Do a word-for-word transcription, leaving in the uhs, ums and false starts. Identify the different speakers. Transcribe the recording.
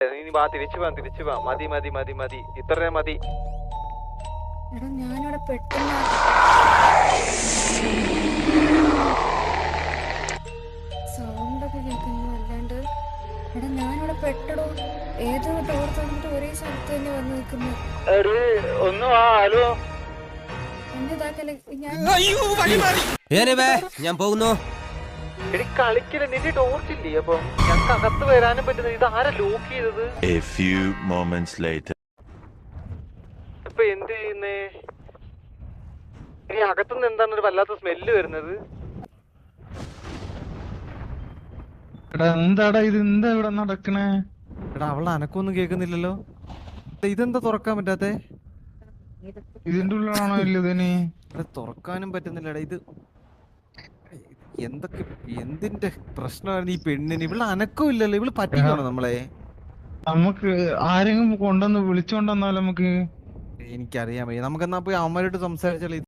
Speaker 1: നീ വാ, തിരിച്ചു പോവാം തിരിച്ചു പോവാം. മതി മതി മതി മതി ഇത്രേ മതി.
Speaker 2: എടാ ഞാനിവിടെ പെട്ടെന്ന് സൗണ്ടൊക്കെ കേൾക്കുന്നു അല്ലാണ്ട്. എടാ ഞാനിവിടെ പെട്ടടോ. ഏതോ ഡോർ തുറന്നിട്ട് ഒരേ സ്ഥലത്ത് തന്നെ വന്ന് നിൽക്കുന്നു.
Speaker 1: ഒന്ന് വാ. ഹലോ
Speaker 2: എന്റെ ഇതാക്കല്ലേ ഞാൻ
Speaker 3: ഞാൻ പോകുന്നു.
Speaker 1: എടി കളിക്കല, നിന്റെ ടോർച്ചില്ലേ? അപ്പൊ ഞങ്ങൾക്ക് അകത്ത് വരാനും പറ്റുന്നത്. ഇത് ആരാ ലോക്ക് ചെയ്തത്?
Speaker 4: A few moments later.
Speaker 1: ഇപ്പൊ എന്ത് ചെയ്യുന്നേ? ഇനി അകത്തുനിന്ന് എന്താണ് ഒരു വല്ലാത്ത സ്മെല്ല് വരുന്നത്?
Speaker 5: എടാ എന്താടാ ഇത്? എന്താ ഇവിടെ നടക്കണേ?
Speaker 6: എടാ അവളുടെ അനക്കൊന്നും കേൾക്കുന്നില്ലല്ലോ. ഇതെന്താ തുറക്കാൻ പറ്റാത്തെ?
Speaker 5: ഇതിന്റെ ഉള്ളിലാണോ ഇല്ലതിന്?
Speaker 6: ഇവിടെ തുറക്കാനും പറ്റുന്നില്ലടാ. ഇത് എന്തൊക്കെ എന്തിന്റെ പ്രശ്നമായിരുന്നു ഈ പെണ്ണിന്? ഇവിടെ അനക്കം ഇല്ലല്ലോ. ഇവള് പറ്റിക്കണോ നമ്മളെ?
Speaker 5: നമുക്ക് ആരെങ്കിലും കൊണ്ടുവന്ന് വിളിച്ചോണ്ടെന്നാലും നമുക്ക്.
Speaker 6: എനിക്കറിയാൻ വയ്യ. നമുക്കെന്നാ പോയി അവന്മാരോട്ട് സംസാരിച്ചാലേ.